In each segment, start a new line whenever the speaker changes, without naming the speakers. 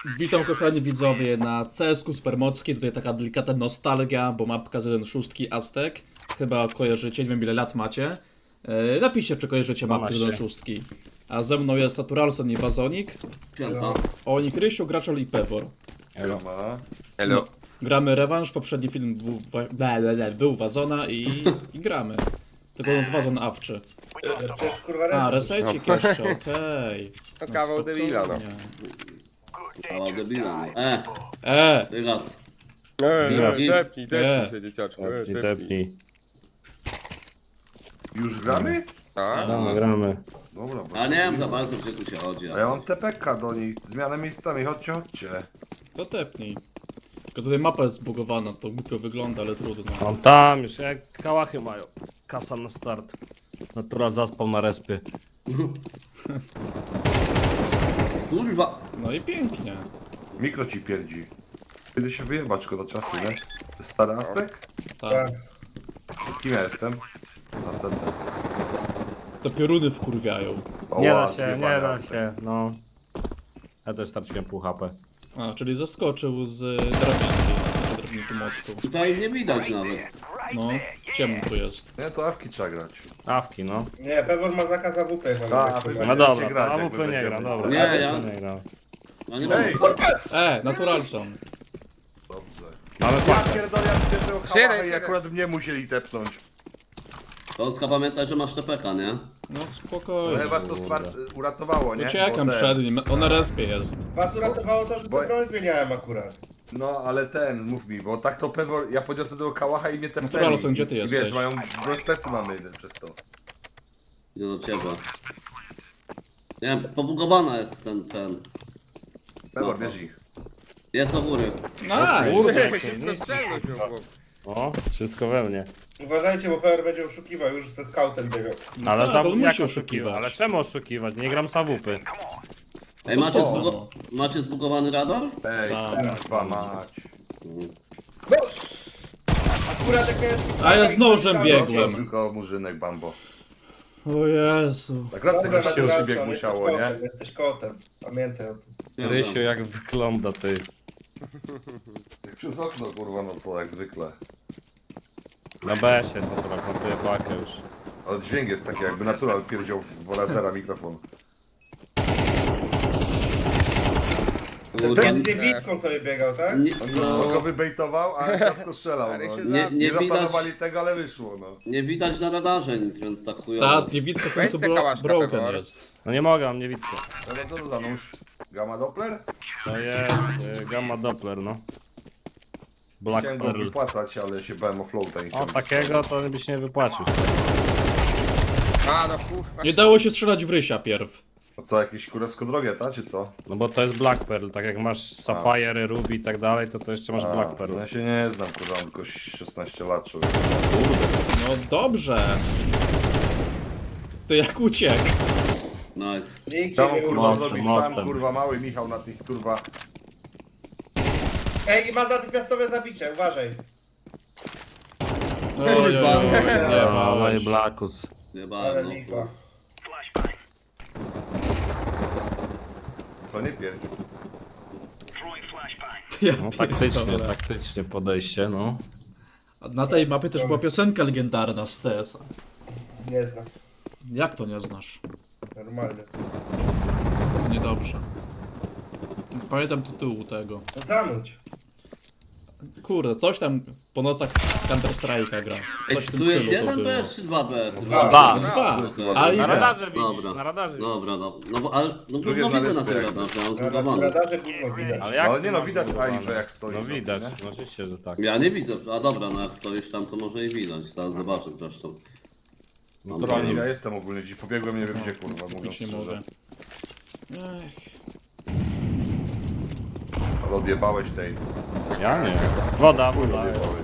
Witam kochani widzowie na CS-ku Supermocki. Tutaj taka delikatna nostalgia, bo mapka z 1.6 Aztek. Chyba kojarzycie, nie wiem ile lat macie. Napiszcie, czy kojarzycie mapkę z 1.6. A ze mną jest Naturalson i Wazonik.
Piąta.
Oni Krysiu, Graczol i Pewor.
Elo.
Hello.
Gramy rewanż, poprzedni film był Wazona i gramy. Tylko on z Wazon awczy.
Przecież kurwa
A,
reset.
resecik jeszcze, okej.
To kawał debila, no.
Kawał debila. Wyraz.
Tepnij się, dzieciaczku.
Tepnij.
Już gramy?
Tak?
No, gramy.
Dobra,
A nie wiem za bardzo, gdzie tu się chodzi.
a ja mam TPK do nich. Zmianę miejscami, chodźcie.
To tepnij. Tylko tutaj mapa jest zbugowana, to głupio wygląda, ale trudno.
On tam już, jak kałachy mają. Kasa na start. Natural zaspał na respie.
Kurwa.
No i pięknie.
Mikro ci pierdzi. Kiedy się wyjebać szkoda czasu, nie? Stary Aztek?
Tak.
Kim ja jestem? Na centrum.
To pioruny wkurwiają.
Nie
Oła,
da się,
zjebany
nie da
Aztek.
się, no. Ja też straciłem pół HP.
A, czyli zaskoczył z drabinki mostu.
Tutaj nie widać nawet.
No, ciemno tu jest.
Nie, to awki trzeba grać.
Awki, no.
Nie, Pewor ma zakaz AWP.
A,
Tak,
wy-
No
Będziecie
dobra,
grać,
to
jak
AWP nie
będziemy.
gra, dobra.
Nie,
AWP
ja-
nie gra.
Ja nie mam.
Ej!
Naturalson.
Dobrze.
Mamy
Ja
pakę.
pierdolę, jak ty tego
Siedem,
kałachę i
siedem.
akurat mnie musieli tepnąć.
Polska pamiętaj, że masz TPK, nie?
No
No
spokojnie.
chyba to uratowało, nie?
Uciekam
Bo ten-
przed nim, on na respie jest.
Was uratowało to, że
Bo-
co broń zmieniałem akurat.
No ale ten, mów mi, bo tak to pewno, ja podniosę tego kałacha i mnie tepnęli.
Naturalson, gdzie ty
I
jesteś?
wiesz, mają plecy mamy jeden przez to.
Nie do ciebie. Nie wiem, pobugowana jest ten.
Pewor, bierz ich.
Jest do góry.
Nice!
Kurde,
Wszystko strzelność miał chłop.
O, wszystko we mnie.
Uważajcie, bo Pewor będzie oszukiwał, już ze scoutem biegał.
Ale
tak,
za
on
jak
musi
oszukiwać?
oszukiwać.
Ale czemu oszukiwać? Nie gram z AWP.
Ej, macie zbugowany radar?
Ej,
Tak.
kurwa mać.
No! Akurat jak jest...
A ja z nożem
To
biegłem.
tylko murzynek Bambo.
O Jezu.
Akurat
Dobra,
tego się
Naturalson,
bieg
jesteś
musiało, nie?
kotem, Jesteś kotem, pamiętaj o tym.
Rysiu, jak wygląda ty.
Jak przez okno, kurwa, no co, jak zwykle.
Na BS jest natural, kontuje pakę już.
Ale dźwięk jest taki, jakby natural pierdział w lasera mikrofon.
Kurwa.
Między niewidką sobie biegał, tak?
Nie,
No go
no,
wybejtował, a ciasko strzelał,
Ale
no.
się
nie,
Nie
nie widać.
zaplanowali tego, ale wyszło, no.
Nie widać na radarze nic, więc tak chujowo.
Ta niewidka w
Weź
końcu
se kałaszka,
broken
Pewor.
jest.
No nie mogę, mam niewidkę.
Ale co to za nóż? Gamma Doppler?
To jest Gamma Doppler, no. Black
Chciałem go
Pearl.
wypłacać, ale się bałem o floata.
O, takiego to byś nie wypłacił.
A, no kurwa.
Nie dało się strzelać w Rysia pierw.
A co, jakieś kurewsko drogie, ta, czy co?
No bo to jest Black Pearl, tak jak masz Sapphire, Ruby i tak dalej, to jeszcze masz Black Pearl.
No ja się nie znam, kurwa, mam tylko 16 lat, człowiek.
No dobrze. To jak uciekł.
Nice.
Nikt cię
Chciałem
nie
kurwa
urwał.
zrobić
mostem.
sam, kurwa, mały Michał na tych, kurwa.
Ej, i ma natychmiastowe zabicie, uważaj.
Oj, oj, oj, nie
No, no i
małeś.
Blackus.
Nie
Ale
bardzo.
lipa.
Co nie pierdzi?
Ja
No taktycznie,
pierdolę.
taktycznie podejście, no.
A na tej mapie też była piosenka legendarna z CS.
Nie znam.
Jak to nie znasz?
Normalnie.
To niedobrze. Nie pamiętam tytułu tego.
No zanuć.
Kurde, coś tam po nocach Counter Strike'a gra.
Ej,
Coś w tym
tu jest
stylu to
jeden
było.
BS czy dwa BS?
Dwa.
Dwa.
Okej.
A i
Na
B.
radarze widzisz,
Dobra.
na radarze widzisz.
Dobra, no bo ale no
Drugie
gówno widzę na
znaleźć
tym
jak
radarze, ja mam
Na
zbugowany.
radarze gówno widać.
Ale jak
Ale
ty
nie no,
masz
widać
zbudowane?
Aifę, jak stoi
No
sobie,
widać,
nie?
no oczywiście, że tak.
Ja nie widzę, a dobra, no jak stoisz tam to może i widać, zaraz zobaczę zresztą.
Naturalnie.
Ja jestem ogólnie, dziś pobiegłem, nie wiem gdzie, kurwa, mówiąc
Być nie
szczerze.
mogę. Ech.
Ale odjebałeś tej.
Ja nie. Woda, woda.
Odjebałeś.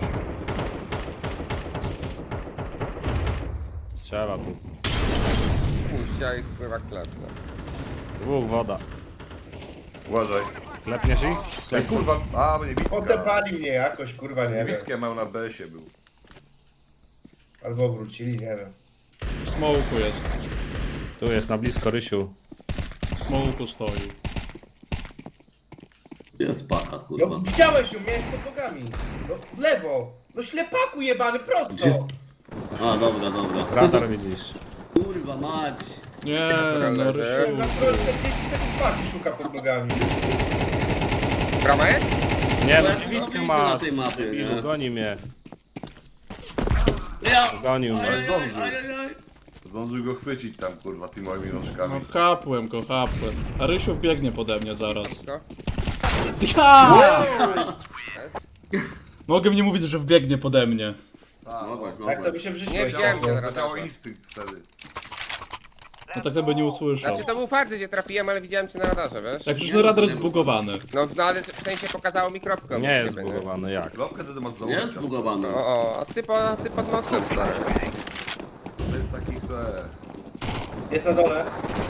Strzela tu.
Puścia i kurwa klatka.
Dwóch woda.
Uważaj.
Klepniesz ich?
Ej, kurwa, a, bo nie bitka.
Otepali mnie jakoś, kurwa, nie wiem.
Bitkę miał na BS-ie był.
Albo wrócili, nie wiem.
W smoku jest.
Tu jest na blisko Rysiu.
W smoku stoi.
Jest paka, kurwa.
No widziałeś ją, miałeś pod nogami. No w lewo. No ślepaku jebany, prosto.
Gdzie? A, dobra, dobra.
Radar widzisz.
Kurwa mać.
Nie, no Rysiu.
Na prosto 10 sekund paki szuka pod nogami.
Brama jest?
Nie,
Ja
no
to
niewidkę
widzę
ma.
na tej mapie, nie?
Ilu, goni mnie.
Ja!
Gonił mnie.
zdążył.
Ajajaj.
Zdążył go chwycić tam, kurwa, tymi moimi
No
rączkami.
kapłem go, kapłem. A Rysiu biegnie pode mnie zaraz.
No.
Ja! Mogę nie mówić, że wbiegnie pode mnie.
Mogłeś,
Tak to by
mogłeś.
się w życiu
Nie widziałem cię na
To działał
radarze.
instynkt wtedy.
No tak to by nie usłyszał.
Znaczy to był fakt, gdzie trafiłem, ale widziałem cię na radarze, wiesz?
Jak przecież ten radar jest zbugowany.
No ale w sensie pokazało mi kropkę.
Nie
obok
jest
ciebie,
zbugowany, jak?
Kropkę wtedy masz
Nie
założyć.
jest zbugowany.
O, a ty pod nosem, stary.
To jest taki se...
Jest na dole.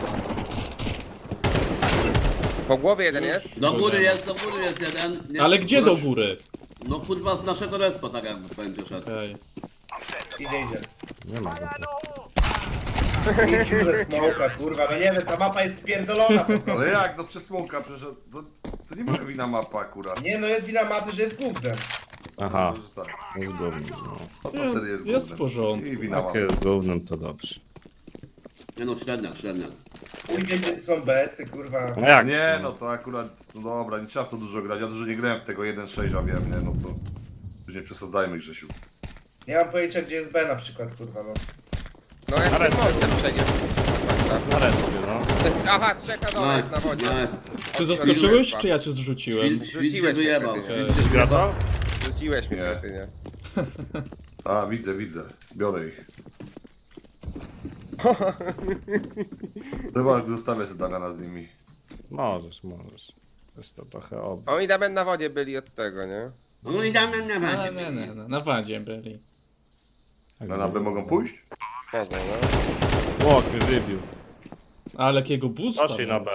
Po głowie jeden jest.
Do góry jest jeden. Nie,
Ale gdzie do
wróć.
góry?
No kurwa z naszego respa tak jakby będzie szedł.
Okej.
Idzie.
Nie ma go tu.
Idzie smoka, kurwa, no nie wiem, ta mapa jest spierdolona po prostu.
Ale jak, no przez smoka, przecież to nie moja wina mapa akurat.
Nie no, jest wina mapy, że jest gównem.
Aha,
Może tak.
jest gównem. No.
No to wtedy jest
Jest w
gównem.
porządku.
I wina
Jak
mapy.
jest gównem, to dobrze.
Nie no, średnia.
Pójdzie, gdzie są BS-y, kurwa.
No jak?
Nie, no to akurat, no dobra, nie trzeba w to dużo grać. Ja dużo nie grałem w tego 1.6, a wiem, nie, no to... Już nie przesadzajmy, Grzesiu.
Nie mam pojęcia, gdzie jest B na przykład, kurwa, no.
No jak ten mostem przeniósł.
Na respie, no.
Aha, trzech na dole, jest na wodzie.
Ty zaskoczyłeś, czy ja cię zrzuciłem?
Świt się
Rzuciłeś
wyjebał.
mnie,
Świt się
Coś
wyjebał.
gracał?
Rzuciłeś mnie,
Nie.
nie?
A, widzę. Biorę ich. Chyba zostawię sobie Damiana z nimi.
Możesz. Jest to trochę
Oni nawet na wodzie byli od tego, nie?
No i dam na
Nie, na wadzie byli.
Na B mogą pójść?
Mogą, no.
Łok mnie wybił.
Ale jakiego boosta.
Poszli na B.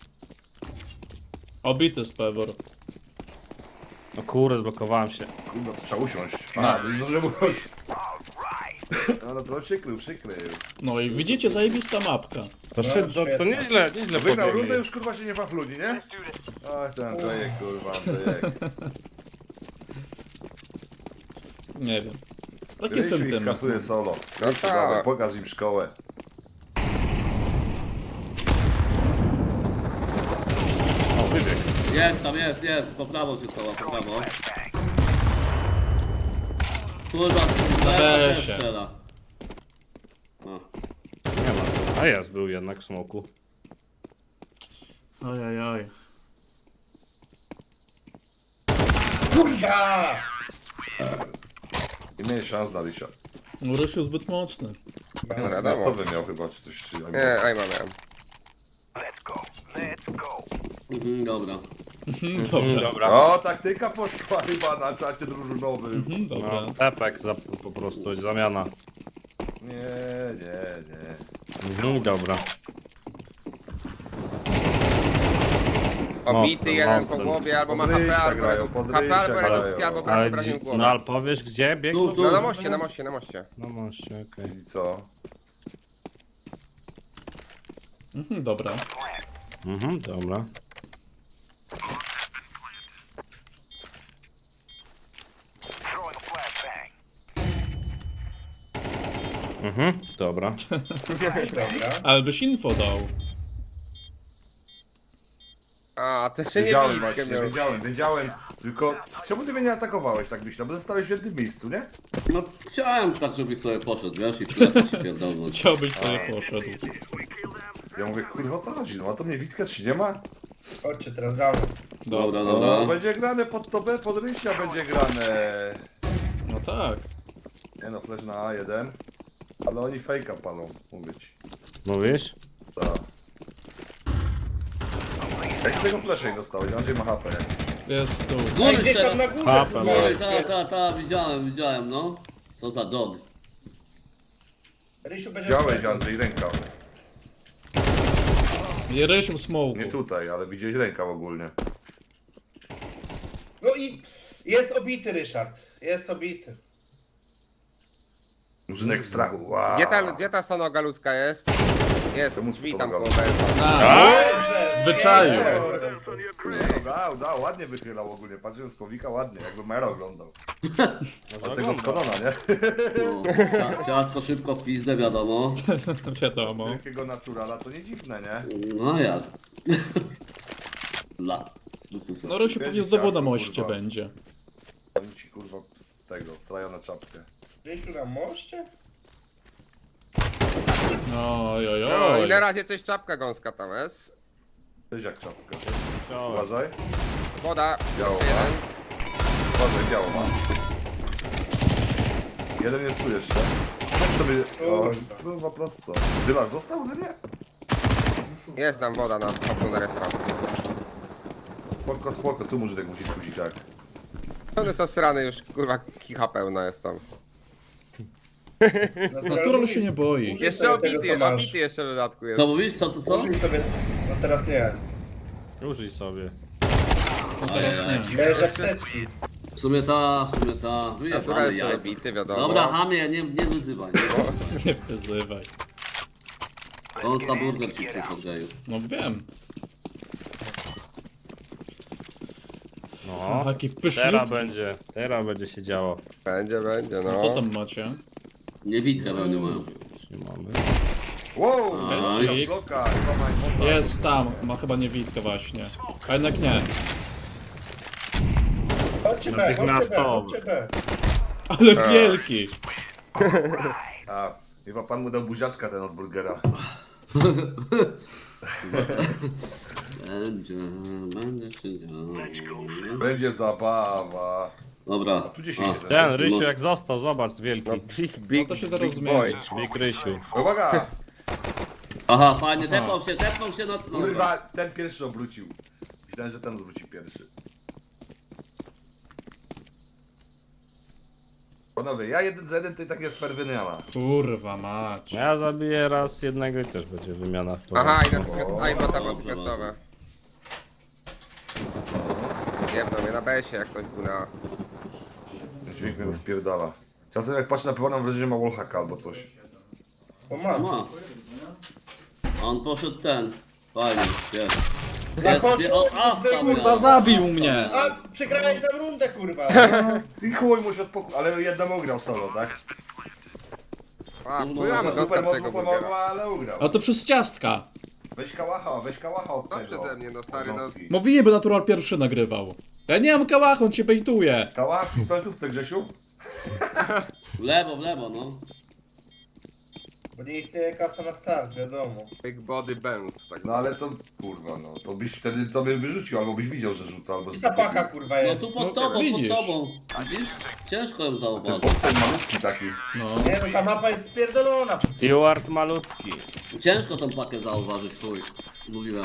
Obity z Pebor.
No kurde, zblokowałem się.
Kurwa, to trzeba usiąść. A, to nie zdążyłem usiąść. No to przykrył.
No i widzicie, zajebista mapka.
To nieźle
Wygrał rundę,
pobiegli.
już kurwa się nie ma ludzi, nie? Ach, ten Andrzejek, kurwa, Andrzejek.
Nie wiem. Takie
Rysiu ich
sentymenty.
kasuje solo.
No
Rysiu,
tak.
dawaj, pokaż im szkołę.
O, wybieg.
Jest tam, jest. Po prawo się schowa, po prawo. Kurwa, też
się.
strzela. No.
Nie ma. A jest, był jednak w smoku.
Ojojoj.
Kurwa!
Nie mieli szans na Rysia.
No Rysiu zbyt mocny.
No
Na
wiadomo.
stopę miał chyba, czy coś. Czy...
Nie, aj miałem.
Dobra.
Dobra.
O, taktyka poszła chyba na czacie drużynowym.
Dobra.
No, tepek po prostu, zamiana.
Nie.
Dobra.
Obity
Mocno,
jeden
mocno.
po głowie, albo ma
Podryjcia
HP, albo
grają,
redukcja,
podryjcia
HP, albo
grają.
redukcja, albo
Ale,
brak obrażeń
no ale
głowy.
powiesz gdzie biegł?
Tu.
No na moście.
No moście, okej.
I co?
Dobra.
Dobra. Dobra.
Dobra.
Ale byś info dał.
A, też się nie
Wiedziałem
widzę,
właśnie, wiedziałem. Tylko czemu ty mnie nie atakowałeś tak myślę? Bo zostałeś w jednym miejscu, nie?
No chciałem tak, żebyś sobie poszedł, wiesz, i tyle się pierdolnąć.
Chciałbyś sobie poszedł.
Ja mówię, kurwa, o co chodzi? No a to mnie Witka czy nie ma?
Chodźcie teraz za mną.
Dobra,
No,
dobra.
będzie grane pod to B, pod Rysia będzie grane.
No tak.
Nie no, flash na A1. Ale oni fejka palą, mówię ci.
Mówisz?
Tak. Jak tego flasha nie dostałeś? On gdzie ma HP?
Jest tu.
Ej,
Góry
gdzieś tam na
teraz.
górze,
Papę,
kurwa,
no.
jest.
Ta, widziałem, no. Co za dog.
Rysiu będzie...
Widziałeś, Andrzej, rękaw.
Nie Rysiu w smoku.
Nie tutaj, ale widziałeś rękaw ogólnie.
No i jest obity, Ryszard. Jest obity.
Murzynek w strachu. Wow.
Gdzie ta stonoga ludzka jest? Jest,
Czemu
drzwi tam
stonoga?
koło BS.
A,
Dobrze.
Zwyczaju.
Nie,
Dał, ładnie wychylał ogólnie. Patrzyłem z powika ładnie, jakby Mero oglądał.
Może
Od tego
ogląda.
Konona, nie?
No, ciasto szybko w pizdę, wiadomo.
Wiadomo.
Wielkiego naturala to nie dziwne, nie?
No jak? Dla.
No Rysiu pewnie znowu na moście będzie.
Oni ci kurwa z tego, strają na czapkę.
Gdzieś tu na moście?
Oj, oj,
No
oj.
i na razie coś czapka gąska tam jest.
Cześć jak czapka.
Chciałem.
Uważaj.
Woda.
Biało ma.
Jeden.
Uważaj, biało ma. Jeden jest tu jeszcze. Tak sobie... O, kurwa prosto. Dylasz dostał? No nie.
Jest tam woda na topu na respa.
Spoko, tu murzydek musi skusić, tak.
One są srane już, kurwa, kicha pełna jest tam.
Natural się nie boi.
Użyj
Jeszcze
sobie tego,
obity,
co masz.
obity jeszcze w dodatku jest.
Co mówisz? Co?
Użyj sobie... No teraz nie.
Użyj sobie.
No teraz nie.
Miałeś apteczki.
W sumie ta,
Natura
wyjebane
jest
jajca.
obity, wiadomo.
Dobra, hamie, nie wyzywaj.
Nie wyzywaj.
Konsta burger ci przyszedł, geju.
No wiem.
No.
Taki pyszny.
Teraz będzie się działo.
Będzie,
No
no.
co tam macie?
Niewidkę pewnie mają.
Już nie mamy.
Wow!
Headshot.
Bloka, chyba mocno.
Jest tam, ma chyba niewidkę właśnie. A jednak nie.
Chodźcie B, chodźcie B,
Natychmiastowo.
chodźcie B.
Ale wielki.
A, chyba pan mu dał buziaczka ten od burgera.
Będzie się działo.
Będzie zabawa.
Dobra.
Tu 10
A,
jeden.
Ten Rysiu jak został, zobacz, wielki.
No big,
No to się zaraz
big
zmieni.
boy.
Big Rysiu.
Uwaga!
Aha, fajnie, tepnął się na...
Kurwa, ten pierwszy obrócił. Myślałem, że ten obróci pierwszy. Panowie, ja 1 za 1 to i tak jest ferwyniana.
Kurwa mać.
Ja zabiję raz jednego i też będzie wymiana.
Aha, i natychmiast, a i bota natychmiastowe. Jebno mnie na besie, jak ktoś był na...
Dźwięk mnie rozpierdala. Czasem jak patrzę na piwo, mam wrażenie, że ma wallhacka albo coś.
O mam.
Ma. A on poszedł ten. Fajnie, jest.
Zakończył,
Kurwa zabił mnie.
A, przegrałeś nam rundę, kurwa.
Ty chuj musi ale jednemu ugrał solo, tak?
A,
No,
pływamy
Super
gąska
mocno
tego burgera.
pomogła, ale ugrał.
A to przez ciastka.
Weź kałacha od
No
tego.
przeze mnie, no stary, no.
Jednostki.
Mówiłem, by Natural pierwszy nagrywał. Ja nie mam kałacha, on cię bejtuje.
Kałach w pistoletówce, Grzesiu?
W lewo, no.
Bo nie istnieje kasa na start, wiadomo.
Big body Benz, tak.
No ale to, kurwa, no, to byś wtedy tobie wyrzucił, albo byś widział, że rzuca, albo...
I zapaka, kurwa,
No
jest.
tu
No,
pod tobą,
widzisz.
pod tobą. Widzisz? Ciężko ją
Ten
zauważyć.
bokser malutki taki.
No.
Nie, no ta mapa jest spierdolona.
Steward malutki.
Ciężko tą pakę zauważyć, chuj. Mówiłem.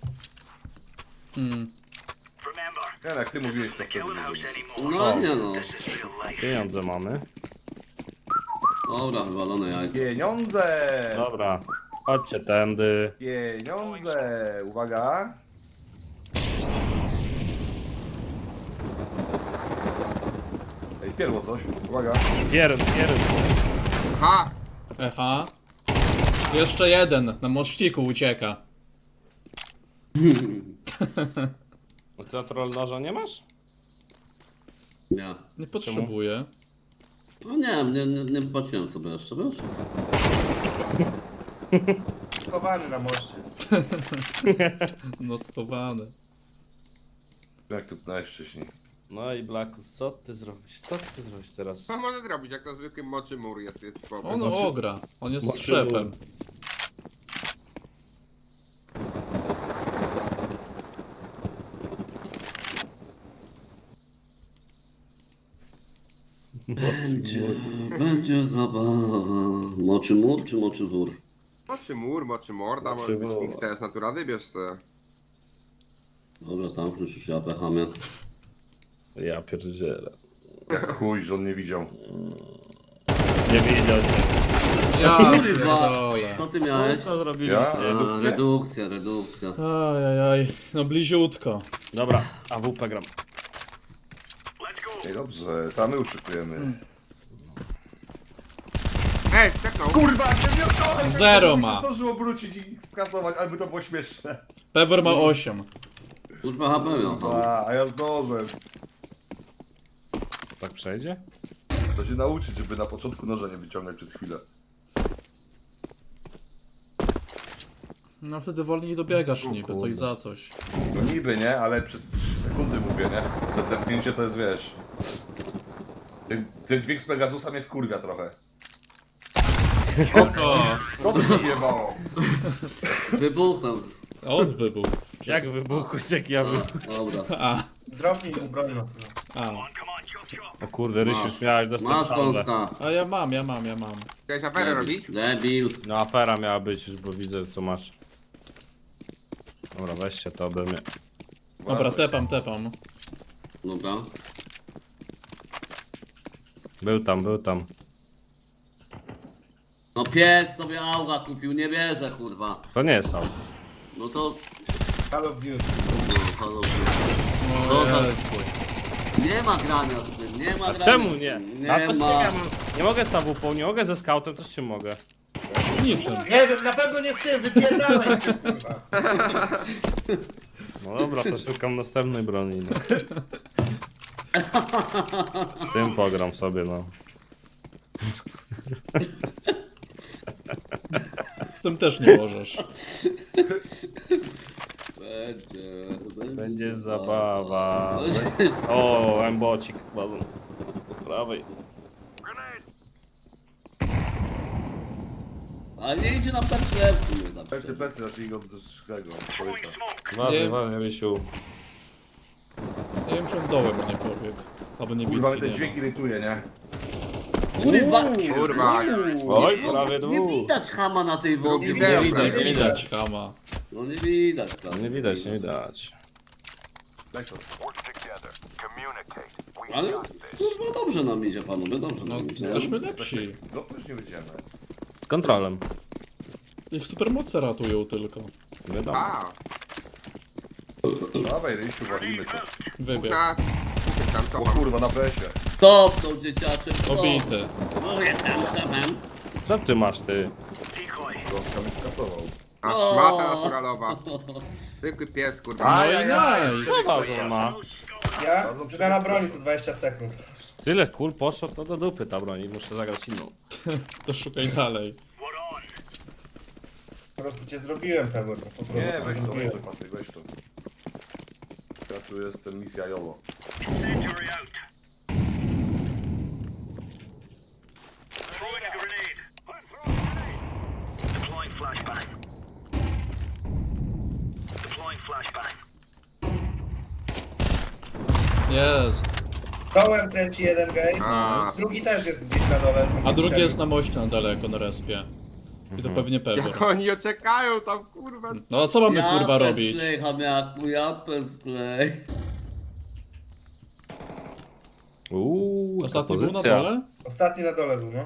Nie, jak ty mówiłeś, to wtedy nie
No nie no.
Pieniądze mamy.
Dobra, wywalone jajce.
Pieniądze!
Dobra. Chodźcie tędy.
Pieniądze! Uwaga! Ej, pierło coś. Uwaga.
Pierd.
Ha!
Echa. Jeszcze jeden na mościku ucieka.
No ty troll noża nie masz?
Nie.
Nie potrzebuję.
No nie patrzyłem sobie jeszcze, wiesz?
Schowany na moście.
No schowany.
Jak tu najwcześniej.
No i Blackus, co ty zrobisz? Co ty zrobisz teraz?
Co może zrobić, jak to zwykły moczy mur jest chłopem.
On ogra. On jest
Moczy
szefem.
Będzie zabawa. Moczy mur czy moczy wór?
Moczy morda, może być
mur.
mikser z natura, wybierz se.
Dobra, zamknąć już ja pechamie.
Ja pierdzielę.
Jak chuj, że on nie widział.
Nie widział cię.
Ja
Kurwa!
pierdolę.
Co ty
No
miałeś?
co zrobiliście?
Ja?
Redukcja.
Ajajaj. No bliziutko.
Dobra, AWP gram.
Ej, dobrze, tam my uszykujemy.
Ej, skaknął!
Kurwa, nie wiem,
Zero
się
ma.
zdążył obrócić i skasować, albo to było śmieszne.
Pewor ma 8.
Kurwa HP miał.
A ja zdążyłem.
Tak przejdzie?
To się nauczyć, żeby na początku noża nie wyciągać przez chwilę.
No wtedy wolniej dobiegasz niby, coś
kurde.
za coś.
No niby, nie? Ale przez 3 sekundy mówię, nie? To tępnięcie to jest, wiesz... Ten dźwięk z Pegasusa mnie wkurwia trochę. Co to mi jebało?
Wybuchnął.
A on wybuł.
Jak wybuchłeś, jak ja wybuchłem?
Dobra.
A,
Dropnij mu broń, no.
a.
O kurde, Rysiu, już miałeś dostać
Masz
saldę.
kąska.
A ja mam.
Chciałeś aferę robić?
Debil.
No afera miała być już, bo widzę co masz. Dobra, weźcie to ode mnie.
Dobra, tepam.
Dobra.
Był tam.
No pies sobie auga kupił, nie bierze kurwa.
To nie jest auto.
No to...
Call of Duty.
No, halo.
O
No to-
Jezu.
Nie ma grania z tym, nie ma
A
grania
czemu
z
nie?
tym.
No
Nie
to z
ma.
tym ja nie mogę z AWP, nie mogę ze scoutem, to z czym mogę?
Niczym.
Nie wiem, na pewno nie z tym, wypierdalaj ty, kurwa.
No dobra, to szukam następnej broni, no. Z tym pogram sobie, no.
Z tym też nie możesz.
Będzie zabawa.
Będzie-
O, embocik bazą. Po prawej.
Ale nie idzie na plecy w sumie tam.
Plecy, raczej go do tego, człowieka.
Uważaj, uważaj, Rysiu.
Nie wiem, czy on dołem nie pobiegł. Albo nie
Kurwa, mnie
widzi,
ten
nie
dźwięk
ma.
irytuje, nie?
Kurwa!
Kurwa.
Oj, prawie
Nie
dwóch.
widać chama na tej wodzie.
Drugi
Nie
zero.
widać.
Nie widać.
Chama.
No nie widać. tak.
Nie widać, nie widać.
Daj to.
Ale kurwa dobrze nam idzie panowie, dobrze
No,
nam idzie.
jesteśmy lepsi.
No to już nie wyjdziemy.
Z kontrolem.
Ich supermoce ratują tylko.
Wiadomo.
A,
Dawaj, Rysiu, walimy to.
Wybieg.
na... Tam to
O
mam.
kurwa, na presie.
Stop tą dzieciaczek, stop.
Obity.
No jestem, jestem.
Co ty masz, ty?
Gąska mnie skasował.
A szmata naturalowa. Zwykły pies, kurwa.
No i nice.
Co bazon ma?
Ja? Zmiana broni co 20 sekund.
Tyle kul poszło, to do dupy ta broń. Muszę zagrać inną.
To szukaj dalej.
Po prostu cię zrobiłem, Pebor. Po prostu
Nie, weź to,
zrobiłem.
Patryk, weź to. Ja tu jestem misja YOLO.
Jest.
Dołem kręci jeden game.
A,
Drugi też jest gdzieś na dole.
A drugi jest na moście na daleko, na respie. I to pewnie
jak
Pebor.
oni oczekają tam, kurwa.
No a co mamy kurwa robić?
Sklej, chamiaku, japę sklej.
Ostatni był na
pozycja.
dole?
Ostatni na dole był, no.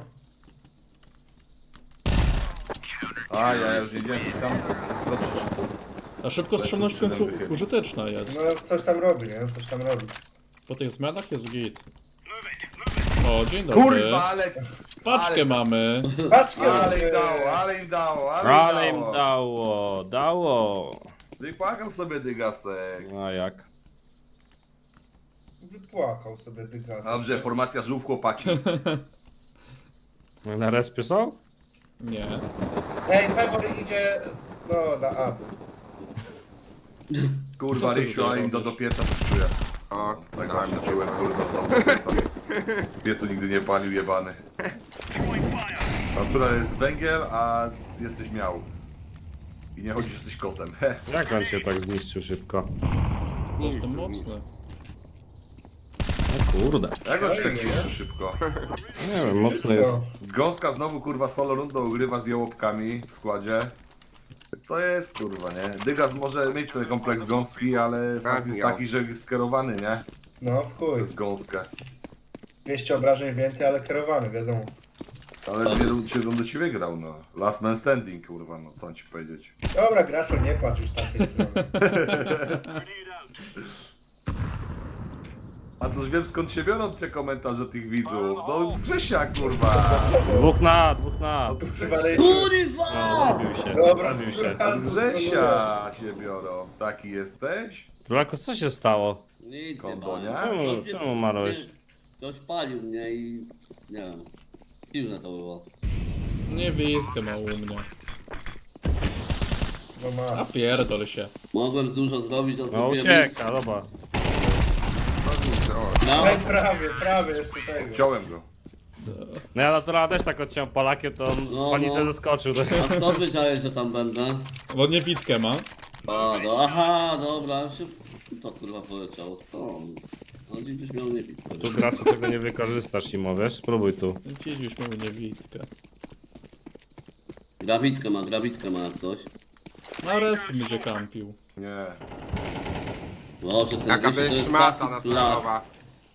A, ja już nie wiem, tam skoczysz.
A szybkostrzelność w końcu użyteczna jest.
No coś tam robi, nie? Coś tam robi.
Po tych zmianach jest git. O, dzień dobry.
Kurwa, ale...
Paczkę mamy.
Patrzcie,
Ale im dało, ale im dało,
Ale im dało.
Wypłakał sobie dygasek.
A jak?
Wypłakał sobie dygas.
Dobrze, formacja żółw chłopaki.
Na respie są?
Nie.
Ej, Pebor idzie... No, na A.
Kurwa, Rysiu, ale im do pieca puszczuje.
O,
Tak
dałem
właśnie
do
czułem,
pieca.
kurwa, do pieca. W piecu nigdy nie palił, jebany. Natura jest węgiel, a jesteś miał. I nie chodzi, że jesteś kotem. He.
Jak on się tak zniszczył szybko?
Jestem mocny.
O kurde.
Jak on się tak zniszczy szybko?
Nie wiem, mocny jest.
No.
Gąska znowu, kurwa, solo rundą ugrywa z jałopkami w składzie. To jest, kurwa, nie? Dygas może mieć ten kompleks gąski, ale fakt jest
miał.
taki, że jest skierowany, nie?
No, w chuj.
Przez gąskę.
200 obrażeń więcej, ale kierowany, wiadomo.
Ale dwie rundy ci wygrał, no. Last man standing, kurwa, no co mam ci powiedzieć.
Dobra, Graszo, nie płacz już z tamtej strony.
A to już wiem skąd się biorą te komentarze tych widzów. No Grzesia, kurwa.
Dwóch na.
No to
Przywaliliśmy.
Kurwa!
Zabił się.
Dobra,
Zabił się.
Od Grzesia się biorą. Taki jesteś?
Trulako, co się stało?
Nic
Kondo,
nie
nie?
bałem.
Czemu marłeś?
Ktoś palił mnie i... nie wiem. Dziwne to było.
Nie witkę ma u mnie.
No
A
ma.
pierdol się.
Mogłem dużo zrobić, a
No
zrobiłem
ucieka, dobra.
No,
Ej, prawie jeszcze tego.
Wziąłem go.
No ja naturalnie też tak odciąłem Polakiem, to on
No,
w panice
no.
zeskoczył.
a skąd wiedziałeś, że tam będę?
Bo nie witkę ma.
A, no, aha, dobra, szybko to kurwa poleciało stąd. No dziś miał nie pić.
Tu grasu tego nie wykorzystasz, Imo, wiesz? Spróbuj tu.
Widzieliśmy u nie witkę.
Grabitkę ma jak coś.
Na resp będzie kampił.
Nie.
Boże, ten
Jaka
Rysiu to
by
jest
szmata
taki
naturalowa.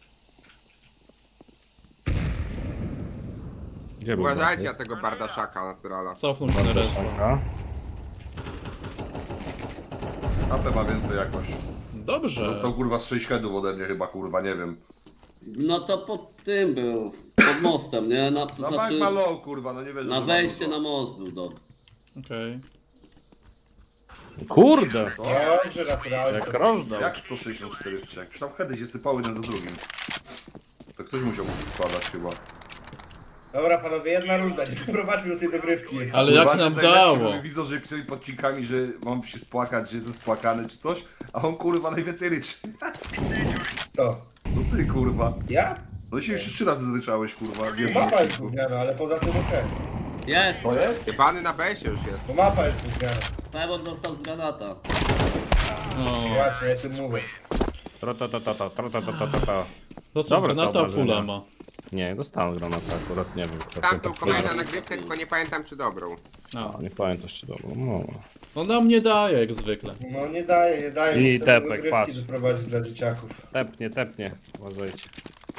Gdzie był
Uważajcie na
Bartek?
tego bardaszaka naturala.
Cofnął się na respa.
Szanka.
AP ma więcej jakoś.
Dobrze.
Dostał kurwa z 6 headów ode mnie chyba, kurwa, nie wiem.
No to pod tym był, pod mostem, nie? To
No
znaczy,
bank ma low, kurwa, no nie wiem.
na wejście na most był dobry.
Okej.
Kurde!
Dobrze, naturalnie.
Jak rozdał.
Jak 164 wciek? Przecież tam heady się sypały jeden za drugim. To ktoś musiał składać chyba.
Dobra panowie, jedna runda, nie doprowadźmy do tej dogrywki.
Ale
Kurwa,
jak
to
nam
jest najlepsze,
dało?
bo widzą, że pisali pod odcinkami, że mam się spłakać, że jestem spłakany czy coś, a on kurwa najwięcej ryczy.
To.
No ty kurwa.
Ja?
No się jeszcze 3 razy zryczałeś kurwa. Nie
Mapa jest gówniana, ale poza tym okej.
Jest!
To jest?
Jebany na besie już jest.
Bo mapa jest gówniana.
Pewor dostał z granata.
No.
Właśnie, ja tym mówię.
Tra-ta-ta-ta-ta.
Dosyć
Dobra,
granata
dobra,
fulla
że nie.
ma.
Nie, dostałem granatę akurat, nie wiem.
Tam tą kolejną nagrywkę, tylko nie pamiętam czy dobrą.
No.
Nie pamiętasz czy dobrze. No.
No nam nie daje jak zwykle.
No nie daje
I
mu
tepek,
tego dogrywki
patrz.
doprowadzić dla dzieciaków.
Tepnie. Uważajcie.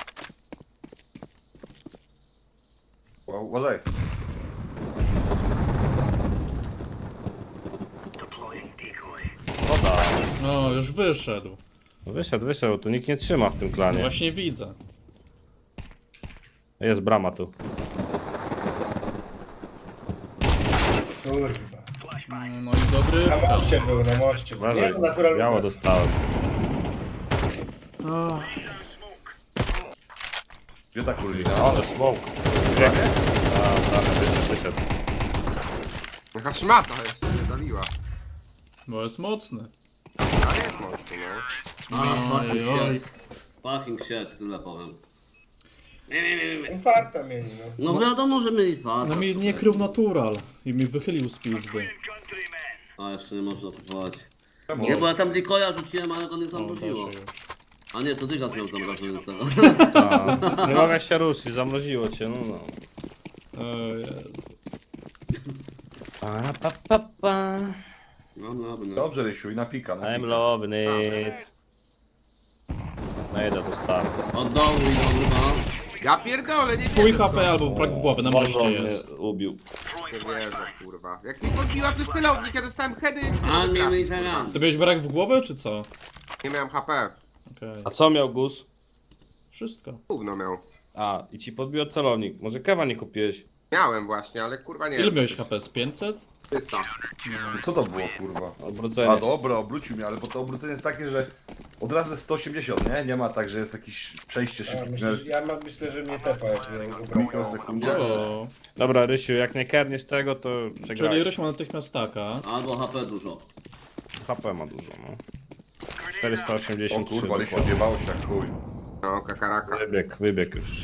Uważaj.
Woda.
No, już wyszedł.
Wyszedł, tu nikt nie trzyma w tym klanie.
Właśnie widzę.
Jest brama tu.
Kurwa.
No i dogrywka.
Na moście był, na moście. Nie,
Uważaj,
to naturalnie.
biało dostałem.
Ach,
Gdzie ta kurlina?
Ale smoke. Wyszedł.
Jaka szmata jeszcze nie doliła.
bo jest mocny.
Ale jest mocno, no.
A,
Oj,
fucking
oj.
shit. Fucking shit, tyle powiem.
Infarta mieli, no.
No wiadomo, że mieli dwa.
No mi nie krył natural i mi wychylił z pizdy.
A jeszcze nie można kupować.
Czemu?
Nie, bo ja tam Dikoja rzuciłem, ale go nie
O,
zamroziło.
proszę już.
A nie, to Dygas miał zamrażającego.
Nie mogę się ruszyć, zamroziło cię, no.
O Jezu.
Pa.
No, no.
Dobrze Rysiu i na pika. Na
I'm
pika.
loving it. No idę do stanu.
Od dołu i do góra.
Ja pierdolę, nie
Pół
wierzę w
HP
to.
albo brak w głowie, na
Może
moście
on mnie
jest.
ubił.
Nie wierzę, kurwa. Jak mi podbiła to celownik, ja dostałem heady,
A nie
trafić,
mieli
kurwa.
zamian.
Ty miałeś brak w głowę, czy co?
Nie miałem HP.
Okej.
A co miał Gus?
Wszystko.
Gówno miał.
A, i ci podbił celownik. Może kewa nie kupiłeś?
Miałem właśnie, ale kurwa nie
Ile
wiem.
miałeś HP? Z 500?
300.
Co to było kurwa?
Odwrócenie.
A dobra, obrócił mnie, ale bo to obrócenie jest takie, że od razu jest 180, nie? Nie ma tak, że jest jakieś przejście
Ja
szybkie.
myślę, że mnie tepa jak
Mikrosekundzie.
O.
Dobra, Rysiu, jak nie kerniesz tego, to
Czyli
przegrałeś.
Ryś ma natychmiast taka.
Albo HP dużo.
HP ma dużo, no.
O
483
kurwa, Rysiu
dokładnie.
odjebało się jak chuj.
No, kakaraka.
Wybieg już.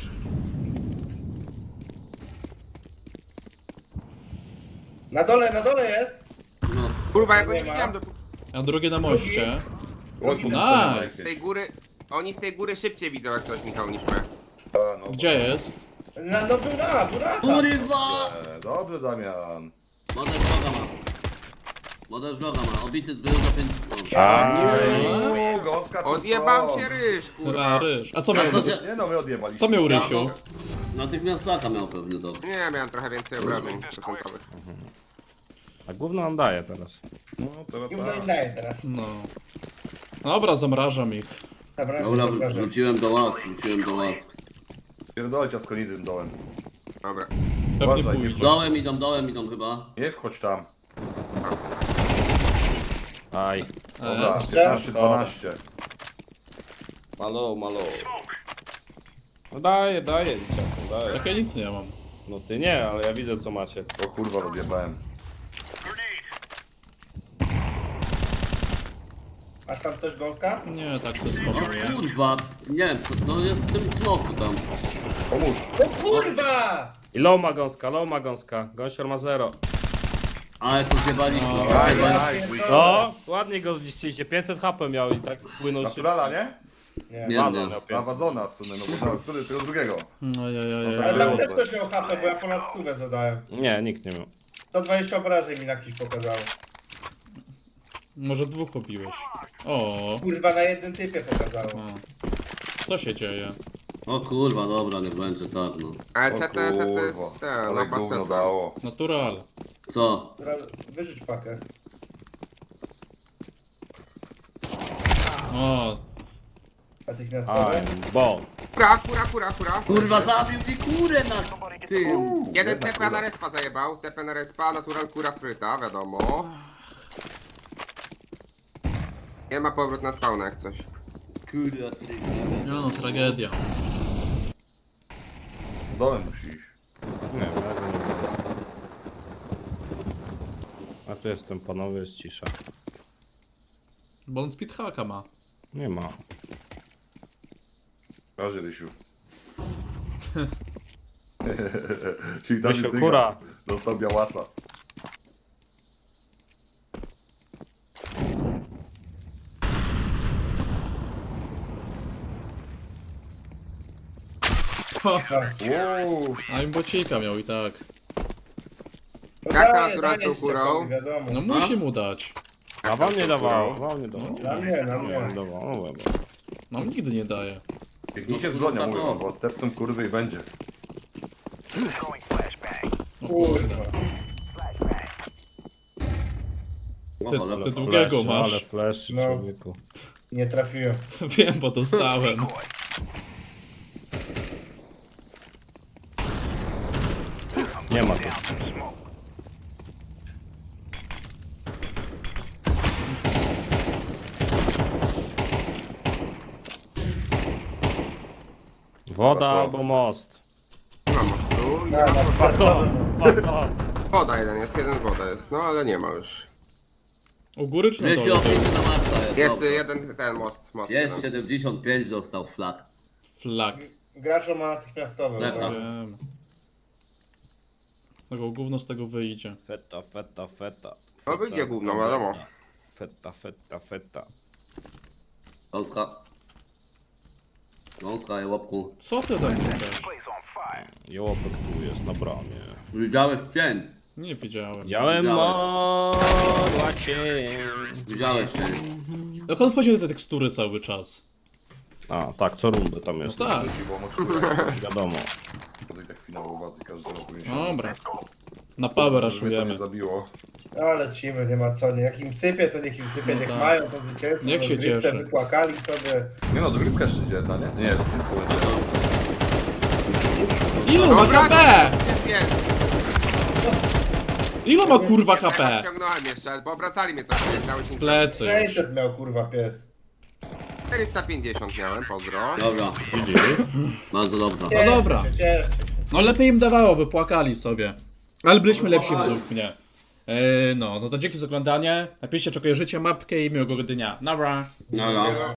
Na dole jest!
No,
Kurwa, ja go nie
Nie ma.
widziałem dopóki
A drugie na moście.
Oj,
Nice.
z tej góry... Oni z tej góry szybciej widzą jak coś, Michał, niż my.
No,
Gdzie jest?
No był na, tu na.
kurwa!
Dobrze Damian.
Model vloga ma. Model vloga ma. Obity był za 5.
A,
Uuu, gąska tu
Odjebał
stąd.
się ryż,
Dobra,
kurwa.
Ryż. A co miał?
co cię-
Nie no, my odjebaliśmy.
Co miał Rysiu?
Natychmiast laka miał pewnie to.
Nie, miałem trochę więcej obrażeń procentowych.
a gówno nam daje teraz.
No, to
I daję teraz.
No. Dobra, zamrażam ich.
Dobra,
Dobra,
dobra.
wróciłem do łask, łask.
Pierdolę cię z konidym dołem.
Dobra.
Pewnie
Uważaj, nie
pójdzie.
Dołem idą chyba.
Nie wchodź tam.
Aj.
Dobra,
Jeszcze?
15-12.
Malo. No daję, dzieciaku, daję.
Jak ja nic nie mam.
No ty nie, ale ja widzę co macie.
O kurwa, rozjebałem.
Masz tam coś gąska?
Nie, tak to
O
spokojnie.
kurwa, nie wiem, co to jest w tym smoku tam.
Pomóż.
No kurwa!
I low ma gąska. Gąsior ma 0.
Ale to zjebaliśmy.
No.
Aj,
Ja
aj,
pierdolę.
No, ładnie go zniszczyliście. 500 HP miał i tak spłynął się.
Naturala, nie?
Nie.
Nie,
Wazon
nie.
miał
A
500.
wazona w sumie, no bo który, tego drugiego.
No
Ale tam
było
też
to.
ktoś miał HP, bo ja ponad 100 zadałem.
Nie, nikt nie miał.
120 obrażeń mi na kimś pokazało.
Może dwóch obiłeś. O.
Kurwa, na jednym typie pokazało.
O. Co się dzieje?
O kurwa, dobra, nie będzie tak, no.
Ale
O
CT jest
kurwa,
ten,
ale
no
gówno
CT.
dało.
Natural.
Co?
Dobra, wyrzuć pakę.
O.
Natychmiastowe.
I'm bomb.
Kura.
Kurwa, zabił mi kurę na tym.
Jeden TP na respa zajebał, TP na respa, natural kura fryta, wiadomo. Nie ma powrót na spawnę jak coś.
Kurwa, ty.
No, tragedia.
Dołem musi iść.
Nie, ja go nie widzę. A tu jestem, panowie, jest cisza.
Bo on speedhacka ma.
Nie ma.
Razie, Rysiu. Czyli tam
Rysiu,
jest
kura.
dygas. Dostał białasa. Uuu,
A im bocika miał i tak.
No
Jak
daję,
natural
daję
tą kurą?
Szczepowi, wiadomo.
No musi mu dać.
A wam nie dawało, wam nie dawało.
Na mnie, na mnie.
Nie dawało, no dobra.
No nigdy nie daje.
biegnijcie z bronią, mówię wam, bo stepną kurwy i będzie.
Kurwa.
Ty,
Ale
ty drugiego
Flash,
masz.
ale flash,
No.
człowieku.
Nie trafiłem.
Wiem, bo dostałem.
Nie ma tu. Woda albo most.
Nie ma mostu,
Na
Pato, pato.
woda jeden woda jest, no ale nie ma już.
U góry czy na
Wiesz,
dole?
opieki na maksa jest.
Jest
dobra.
jeden ten most
Jest
jeden.
75, został flat.
Flag.
Gracz ma natychmiastowe.
Lepa.
dobra.
Wiem. Tego gówno z tego wyjdzie.
Feta.
No wyjdzie gówno, wiadomo.
Feta.
Gąska. Gąska i łapku.
Co ty tam chcesz?
Jołopek tu jest na bramie.
Widziałeś cień.
Nie widziałem.
Widziałem modła cień.
Widziałeś cień.
Jak on wchodzi do tej tekstury cały czas?
A, tak, co rundę tam jest.
No tak.
Bo mocno
Wiadomo.
tutaj tak finałowa, ty każdy roku
Dobra. Na power
Mnie to
rushujemy.
nie zabiło.
No lecimy, nie ma co. Nie. Jak im sypie, to niech im sypie,
No
niech
tak.
mają to zwycięstwo.
Niech się
rozgrywce,
cieszy.
Wypłakali sobie.
Nie no, dogrywka jeszcze idzie, ta, nie? Nie, to jest słońce.
Ilu ma HP?
Jest.
Ilu ma kurwa HP?
Ciągnąłem jeszcze, bo obracali mnie coś, dałeś im
Plecy.
600 miał kurwa pies.
450 miałem, pozdro.
Dobra,
GG.
bardzo dobrze.
No dobra.
Cieszcie się.
No lepiej im dawało, wypłakali sobie. Ale byliśmy lepsi według mnie. No to dzięki za oglądanie. Napiszcie, czy kojarzycie mapkę i miłego dnia. Nara.
Dobra.